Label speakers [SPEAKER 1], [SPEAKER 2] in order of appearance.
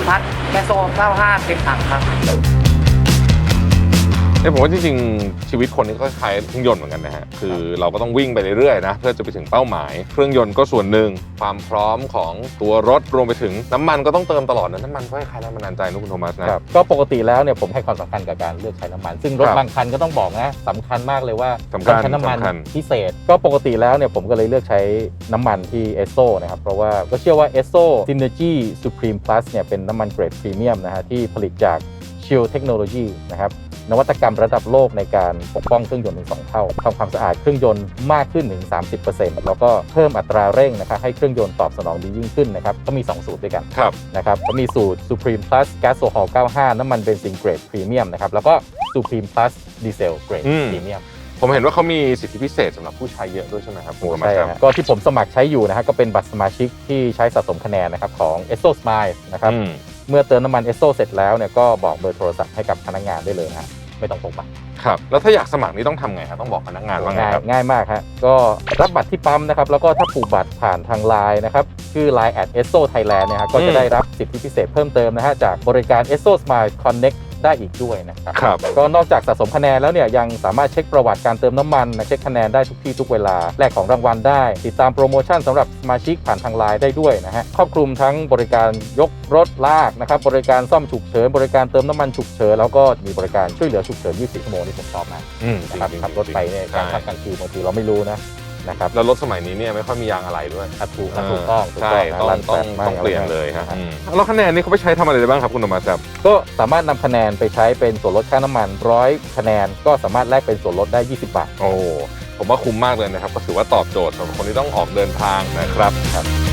[SPEAKER 1] พัดแกโซ95เต็มถังครับ
[SPEAKER 2] ผมว่าจริงๆชีวิตคนนี้ก็คล้ายเครื่องยนต์เหมือนกันนะฮะคือเราก็ต้องวิ่งไปเรื่อยๆนะเพื่อจะไปถึงเป้าหมายเครื่องยนต์ก็ส่วนหนึ่งความพร้อมของตัวรถรวมไปถึงน้ำมันก็ต้องเติมตลอดนะน้ำมันก็คล้ายๆแรงบันดาลใจนะคุณโทมัสนะ
[SPEAKER 3] ก็ปกติแล้วเนี่ยผมให้ความสำคัญกับการเลือกใช้น้ำมันซึ่งรถบางคันก็ต้องบอกนะสำคัญมากเลยว่าต้องใช้น้ำมันพิเศษก็ปกติแล้วเนี่ยผมก็เลยเลือกใช้น้ำมันที่เอสโซนะครับเพราะว่าก็เชื่อว่าเอสโซ Synergy Supreme Plus เนี่ยเป็นน้ำมันเกรดพรีเมียมนะฮะที่ผลิตจาก Shield Technology นะครับนวัตกรรมระดับโลกในการปกป้องเครื่องยนต์ถึง2เท่าทำความสะอาดเครื่องยนต์มากขึ้นถึง 30% แล้วก็เพิ่มอัตราเร่งนะครับให้เครื่องยนต์ตอบสนองดียิ่งขึ้นนะครับก็มี2สูตรด้วยกันนะครับก็มีสูตร Supreme Plus Gasohol 95น้ำมันเบนซินเกรดพรีเมียมนะครับแล้วก็ Supreme Plus Diesel เกรดพรีเมียม
[SPEAKER 2] ผมเห็นว่าเขามีสิทธิพิเศษสำหรับผู้ใช้เยอะด้วยใช่ไหมครับ
[SPEAKER 3] ใช่ครับก็ที่ผมสมัครใช้อยู่นะฮะก็เป็นบัตรสมาชิกที่ใช้สะสมคะแนนนะครับของ Esso Smile นะครับเมื่อเติมน้ำมัน Esso เสร็จแล้วเนี่ยก็บอกเบอร์โทรศัพท์ให้กับพนักงานได้เลยนะไม่ต้องพกบัตร
[SPEAKER 2] ครับแล้วถ้าอยากสมัครนี่ต้องทำไงครับต้องบอกพนักงานว่าไงครับ
[SPEAKER 3] ง่ายมากฮะก็รับบัตรที่ปั๊มนะครับแล้วก็ถ้าผูกบัตรผ่านทางไลน์นะครับชื่อ Line @Esso Thailand เนี่ยฮะก็จะได้รับสิทธิพิเศษเพิ่มเติมนะฮะจากบริการ Esso Smile Connectได้อีกด้วยนะครับก็นอกจากสะสมคะแนนแล้วเนี่ยยังสามารถเช็คประวัติการเติมน้ำมันเช็คคะแนนได้ทุกที่ทุกเวลาแลกของรางวัลได้ติดตามโปรโมชั่นสำหรับสมาชิกผ่านทางไลน์ได้ด้วยนะฮะครอบคลุมทั้งบริการยกรถลากนะครับบริการซ่อมฉุกเฉินบริการเติมน้ำมันฉุกเฉินแล้วก็มีบริการช่วยเหลือฉุกเฉิน24 ชั่วโมงที่ผมชอบมากนะครับขับรถไปเนี่ยการขับกลางคืนบางทีเราไม่รู้นะครับ
[SPEAKER 2] แล้วรถสมัยนี้เนี่ยไม่ค่อยมียางอะไรด้วย
[SPEAKER 3] ถูกต้อง
[SPEAKER 2] ใช่ต้องเปลี่ยนเลยครับแล้วคะแนนนี้เขาไปใช้ทำอะไรได้บ้างครับคุณโทมัสครับ
[SPEAKER 3] ก็สามารถนำคะแนนไปใช้เป็นส่วนลดค่าน้ำมัน100คะแนนก็สามารถแลกเป็นส่วนลดได้20 บาท
[SPEAKER 2] โอ้ผมว่าคุ้มมากเลยนะครับก็ถือว่าตอบโจทย์สำหรับคนที่ต้องออกเดินทางนะครับ